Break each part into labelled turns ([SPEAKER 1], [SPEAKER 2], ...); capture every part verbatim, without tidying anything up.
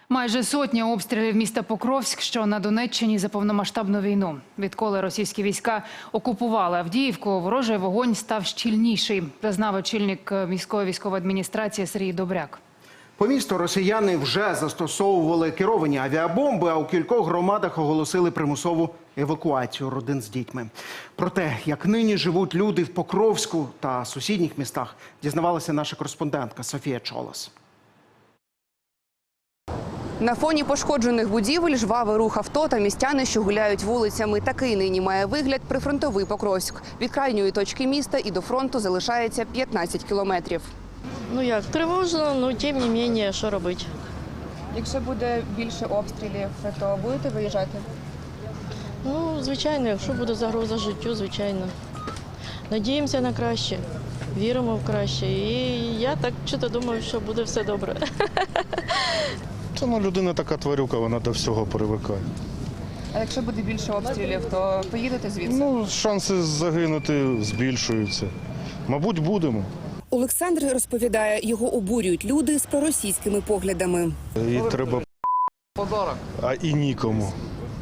[SPEAKER 1] Майже сотня обстрілів міста Покровськ, що на Донеччині, за повномасштабну війну. Відколи російські війська окупували Авдіївку, ворожий вогонь став щільніший, зазнав очільник міської військової адміністрації Сергій Добряк.
[SPEAKER 2] По місту росіяни вже застосовували керовані авіабомби, а у кількох громадах оголосили примусову евакуацію родин з дітьми. Про те, як нині живуть люди в Покровську та сусідніх містах, дізнавалася наша кореспондентка Софія Чолос.
[SPEAKER 3] На фоні пошкоджених будівель жвавий рух авто та містяни, що гуляють вулицями. Такий нині має вигляд прифронтовий Покровськ. Від крайньої точки міста і до фронту залишається п'ятнадцять кілометрів.
[SPEAKER 4] Ну як, тривожно, ну тим не менше, що робити?
[SPEAKER 3] Якщо буде більше обстрілів, то будете виїжджати?
[SPEAKER 4] Ну, звичайно, якщо буде загроза життю, звичайно. Надіємося на краще, віримо в краще. І я так чисто думаю, що буде все добре.
[SPEAKER 5] Це ну, людина така тварюка, вона до всього привикає.
[SPEAKER 3] А якщо буде більше обстрілів, то поїдете звідси?
[SPEAKER 5] Ну, шанси загинути збільшуються. Мабуть, будемо.
[SPEAKER 3] Олександр розповідає, його обурюють люди з проросійськими поглядами.
[SPEAKER 5] І треба подарок, а і нікому.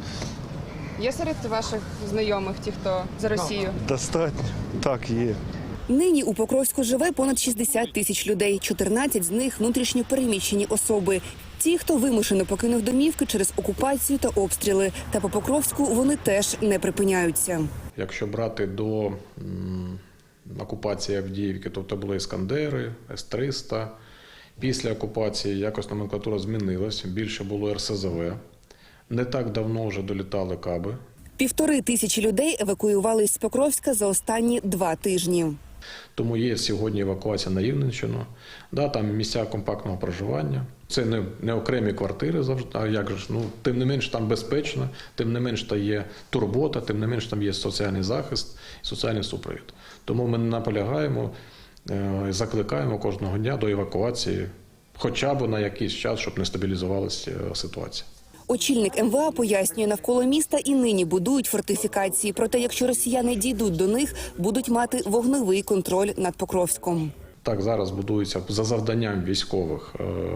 [SPEAKER 3] Є серед ваших знайомих ті, хто за Росію?
[SPEAKER 5] Достатньо. Так, є.
[SPEAKER 3] Нині у Покровську живе понад шістдесят тисяч людей. чотирнадцять з них – внутрішньо переміщені особи. Ті, хто вимушено покинув домівки через окупацію та обстріли. Та по Покровську вони теж не припиняються.
[SPEAKER 6] Якщо брати до м, окупації Авдіївки, то це були «Іскандери», С триста. Після окупації якось номенклатура змінилась, більше було Ер Се Зе Ве. Не так давно вже долітали каби.
[SPEAKER 3] Півтори тисячі людей евакуювались з Покровська за останні два тижні.
[SPEAKER 6] Тому є сьогодні евакуація на Рівненщину. Да, там місця компактного проживання. Це не, не окремі квартири завжди, а як же, ну, тим не менш там безпечно, тим не менш там є турбота, тим не менш там є соціальний захист, соціальний супровід. Тому ми наполягаємо, закликаємо кожного дня до евакуації, хоча б на якийсь час, щоб не стабілізувалася ситуація.
[SPEAKER 3] Очільник Ем Ве А пояснює, навколо міста і нині будують фортифікації. Проте, якщо росіяни дійдуть до них, будуть мати вогневий контроль над Покровськом.
[SPEAKER 6] Так, зараз будується за завданням військових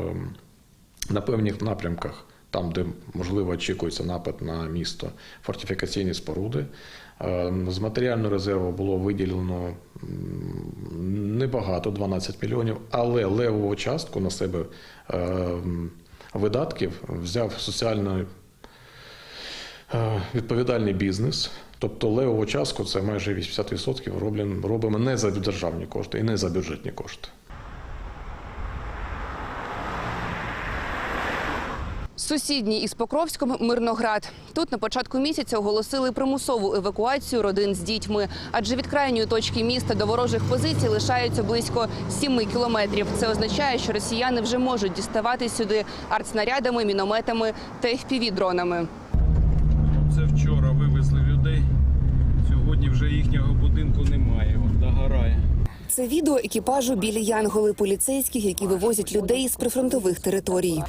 [SPEAKER 6] на певних напрямках, там, де, можливо, очікується напад на місто, фортифікаційні споруди. З матеріального резерву було виділено небагато, дванадцять мільйонів, але левову частку на себе видатків взяв соціально відповідальний бізнес. Тобто левову частку, це майже вісімдесят відсотків, робимо не за державні кошти і не за бюджетні кошти.
[SPEAKER 3] Сусідній із Покровськом – Мирноград. Тут на початку місяця оголосили примусову евакуацію родин з дітьми. Адже від крайньої точки міста до ворожих позицій лишається близько семи кілометрів. Це означає, що росіяни вже можуть діставати сюди артснарядами, мінометами та еф пі ві-дронами.
[SPEAKER 7] Це вчора вивезли людей, сьогодні вже їхнього будинку немає, от догорає.
[SPEAKER 3] Це відео екіпажу «Білі Янголи» поліцейських, які вивозять людей з прифронтових територій.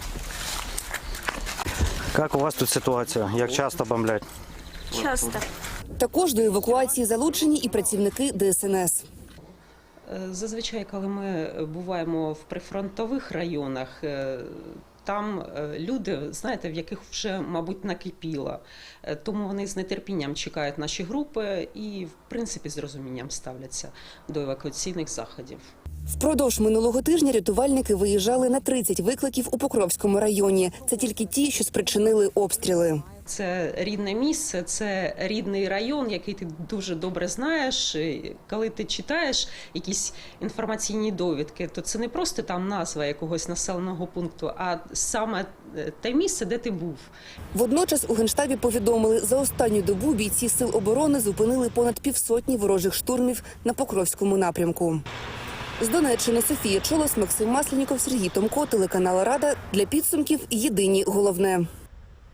[SPEAKER 8] Як у вас тут ситуація? Як часто бомблять?
[SPEAKER 9] Часто.
[SPEAKER 3] Також до евакуації залучені і працівники Де Ес Ен Ес.
[SPEAKER 9] Зазвичай, коли ми буваємо в прифронтових районах, там люди, знаєте, в яких вже, мабуть, накипіло. Тому вони з нетерпінням чекають наші групи і, в принципі, з розумінням ставляться до евакуаційних заходів.
[SPEAKER 3] Впродовж минулого тижня рятувальники виїжджали на тридцять викликів у Покровському районі. Це тільки ті, що спричинили обстріли.
[SPEAKER 9] Це рідне місце, це рідний район, який ти дуже добре знаєш. Коли ти читаєш якісь інформаційні довідки, то це не просто там назва якогось населеного пункту, а саме те місце, де ти був.
[SPEAKER 3] Водночас у Генштабі повідомили, за останню добу бійці Сил оборони зупинили понад півсотні ворожих штурмів на Покровському напрямку. З Донеччини Софія Чолос, Максим Масленіков, Сергій Томко, телеканал Рада. Для підсумків єдині головне.